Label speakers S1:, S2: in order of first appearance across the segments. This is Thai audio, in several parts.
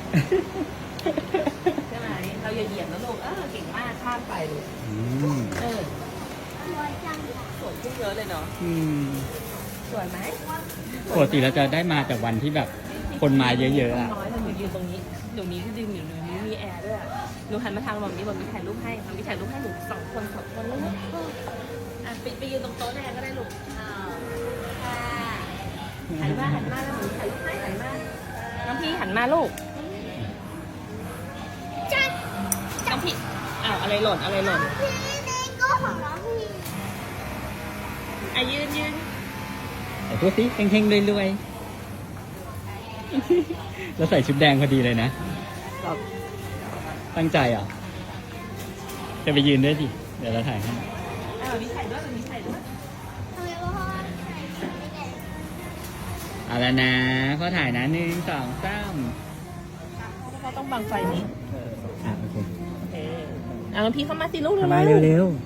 S1: ใช่ไหมเราอย่าเหยียบนะลูกเก่งมากข้ามไปลูก
S2: สวยจัง
S1: สวยขึ้นเยอะเลยเนาะสวยไหม
S3: ปกติเราจะได้มาแต่วันที่แบบคนมาเยอะๆอ่ะ
S1: น้อยเรายืนตรงนี้เดี๋ยวนี้ก็ยืนอยู่ตรงนี้มีแอร์ด้วยหนูหันมาทางแบบนี้ถ่ายรูปให้มีถ่ายรูปให้หนูสองคนลูกไปยืนตรงโต๊ะแดงก็ได้ลูกหันมาแล้วหนูถ่ายรูปให้หันมาน้องพี่หันมาลูก
S2: จัด
S1: น้องพี่อะไรหล่น
S2: พี่เลโก้ของน้องพี่
S1: ยืน
S3: แต่พูดสิเท่งๆรวยๆแล้วใส่ชุดแดงพอดีเลยนะ ตั้งใจเหรอจะไปยืนด้วยดิเดี๋ยวเราถ่ายให้
S1: มีถ่ายด้วย
S2: ทำไมพ่อใส่ชุดไม่แดง
S3: เอาแล้วนะพ่อถ่ายนะ1 2 3
S1: เขาต้องบังไฟนี้
S3: โอเค
S1: น้องพี่เข้ามาสิลูก
S3: มาเร็วๆ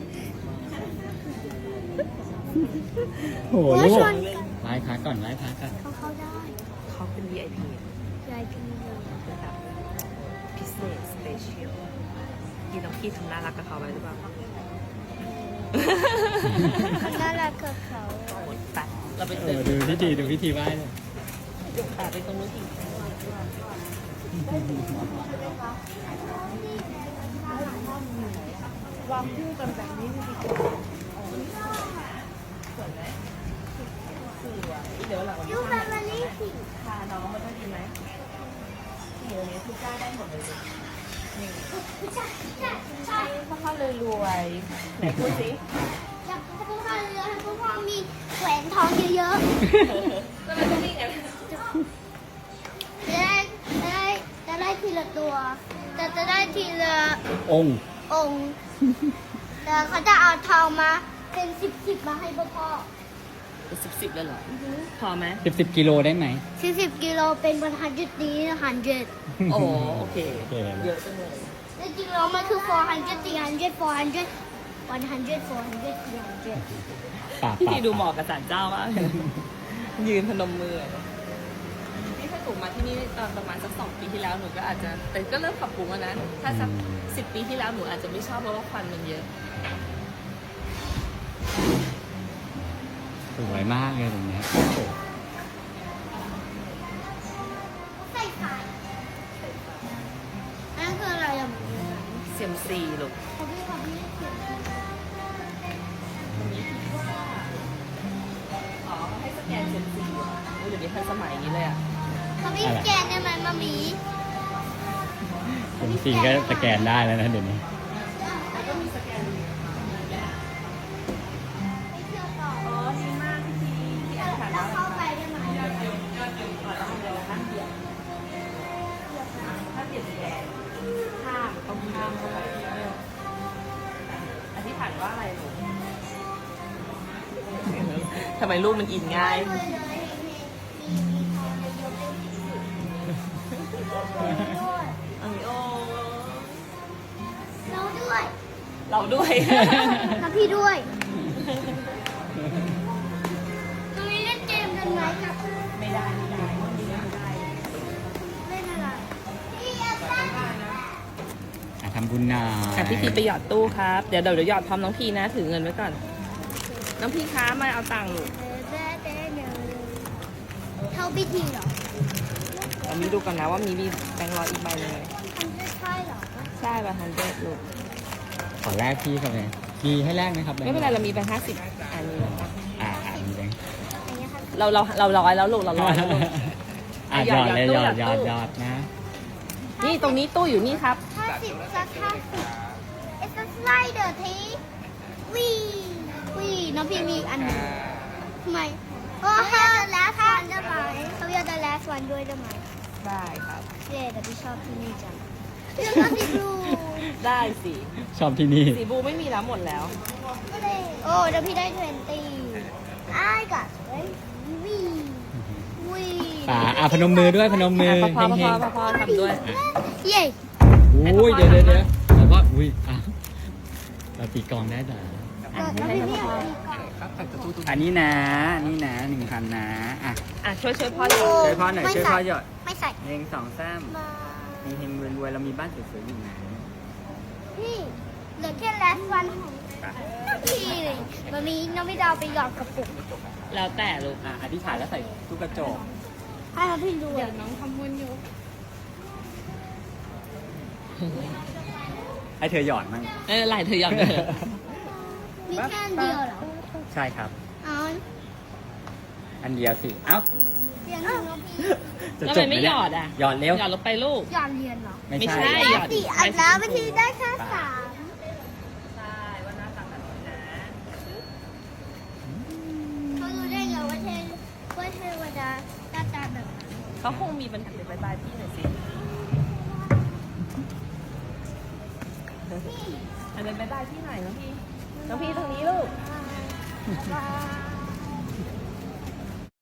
S3: โหลูกไหว้พระก่อนไหว้พระก่อน
S2: เขาได้
S1: เขาเป็น VIP
S2: ยายพี่เลย
S1: ระดับพิเศษสเปเชียลที่น้องพี่ทำน่ารักกับเขาไว้หรือเปล่า
S2: เขาน่ารักกับเขา
S1: ไปเราไป
S3: ดูพิธีไหว้เลย
S1: ไปตรงนู้นอีกวางคู่กันแบบนี้ดีกว่าสวยไหมสวยเดี๋ยวหลังวัน
S2: ยู
S1: นี้
S2: แฟมิลี่สิ
S1: พาน้องมาด้วยดีไหมเดี๋ยวนี้ทุกจ้าได้หมดเลยนี่พ่อเลยรวยไหนพูดสิ
S2: อยากให้พ่อเรือให้พ่อมีแหวนทองเยอะ
S1: แล้วมันต้องวิ่งไง
S2: ๆจะได้ทีละตัวแต่จะได้ทีละ
S3: องค์
S2: องค์แต่เขาจะเอาทองมาเป็นสิบมาให้พ่อ
S1: สิบเลยเหรอพอไหม
S3: 10 กิโลได้ไหม
S2: 10 กิโลเป็น100นี้100
S1: โอ้โอเค
S3: โอเค
S1: เยอะจังเลย
S2: จริงๆแล้วมันคือ400 300 400 400
S3: ปาก
S1: พี่ดูเหมาะกับศาลเจ้ามากยืนพนมมือนี่ถ้าหนูมาที่นี่ตอนประมาณสัก2 ปีที่แล้วหนูก็อาจจะแต่ก็เริ่มปรับปรุงแล้วนะถ้าสัก10 ปีที่แล้วหนูอาจจะไม่ชอบเพราะว่าควันมันเยอะ
S3: สวยมากเลยตรงเนี้ยโอ้โห
S2: ใส่ไข่นั่นคืออะไรอ่ะ
S1: เซียมซีลูก
S2: เขาพี่เขียน
S1: วันนี้คิดว่าให้สแกนเซียมซีเดี๋ยวนี้ทันสมัยนี้เลยอ่ะ
S2: เขาพี่แกนได้ไหมมามี
S3: จริงๆก็สแกนได้แล้วนะเดี๋ยวนี้
S1: แล้วก็มีสแกน
S2: ไปเที่ยวต่อ
S1: อ๋อดีมากพี่อ่านผ่าน
S2: แล้
S1: แล้ว ว
S2: เข้าไปได้ไหม
S1: เราทำอะไรข้ามเดียวถ้าเปลี่ยนแกนข้ามต้องข้ามเข้าไปอธิษฐานว่าอะไรลูกทำไมลูกมันอินง่าย อันนี้โอ้
S2: เราด้วย
S1: เราด้วย
S2: กับพี่ด้วยตรงนี้เล่นเกมกันไหมครับ
S1: ไม่ได้วันนี้ไม่ได้
S2: เล่นอะไรพี่อยากได้
S3: ทำบุญหน่อย
S1: พี่พีไปหยอดตู้ครับ เดี๋ยวหยอดพร้อมน้องพีนะ ถือเงินไว้ก่อน น้องพีค้ามาเอาตังค์ลูก
S2: เท่าพิธีเหรอ
S1: เรามีดูก่อนนะว่ามีแบงค์ร้อยอีกใบหนึงไหม
S2: มันจะใช่เหรอ
S1: ใช่ป่ะฮันเดลูก
S3: ขอแลกพี่ครับเลยมีให้แลกไหมครับ
S1: ไม่เป็นไรเรามีแบงค์50อันนี้นะคะ
S3: มีแบงค์
S2: อย่างเงี้ยครับ
S1: เราร้อยแล้วลูกเราร้อยแล้วลูก
S3: หยอดเลยหยอดนะ
S1: นี่ตรงนี้ตู้อยู่นี่ครับ
S2: 50สัก50 It's a slider ทีวีน้องพี่มีอันหนึงทำไมโอ้ถ้า the last one ได้ไหมเขาอยาก the last one ด้วยได้ไหม
S1: ได้ครับ
S2: เย้แต่พี่ชอบที่นี่จังพี่ชอบที่บลู
S1: ได้สิ
S3: ชอบที่นี่
S1: สีบูไม่มีแล้วหมดแล้ว
S2: โอ้เดี๋ยวพี่ได้20 I got วี
S3: พนมมือด้วยพนมมือ
S1: พอ
S3: เฮง
S1: ทำด้วย
S2: เย้
S3: ๆอุ้ยเดี๋ยวแล้วก็อุ้ยเราตีกลองได้แต่
S2: แล้วพี่พี่เอาดีก่อน
S3: อันนี้นะ1,000นะ
S1: ช่วยพ่อ
S2: โอ้
S3: ช่วยพ่อหน่อยช่วยพ่อหยอด
S2: ไม่ใส่
S3: 1 2 3
S2: มา
S4: เฮงๆรวยๆเรามีบ้านสวยๆอยู่ไหน
S2: นี่เหลือแค่แลสวันของพี่เลยวันนี้น้องไม่ดาวไปหยอดกระปุก
S1: แล้วแต่ลูก
S4: อธิษฐานแล้วใส่ตู้กระจก
S2: ให้เราพี่ดู
S1: เดี๋ยวน้องทำบุญอยู่
S4: ให้เธอหยอดมั้ง
S1: ไหลเธอหยอดเถอะ
S2: มีแค่อันเดียวเหรอ
S4: ใช่ครับ
S2: เอา
S4: อันเดียวสิ เอ้า
S2: เรียนหนึ่งแล้วพี่
S4: จะ
S1: แล้ว
S4: จ
S1: ทำ
S4: บ
S1: ไมไม่
S4: เนี่ย
S1: หยอดอ่ะ
S4: หยอดเร็ว
S1: หยอดลงไปลูก
S2: หยอดเรียนเหรอ
S4: ไม่
S1: ไม่
S4: ใช่
S1: ใช่
S2: แค่สี่อันแล้ววิธีได้แค่สาม
S1: ใช่ว่าหน้าตาแบบนี้นะ
S2: เขารู้ได้ไงว่าเทวดาหน้าตาแบบนั้น
S1: เขาคงมีปัญหาเดี๋ยวบายพี่หน่อยสิอันนั้นบายพี่หน่อยน้องพี่ตรงนี้ลูก
S2: บ๊ายบาย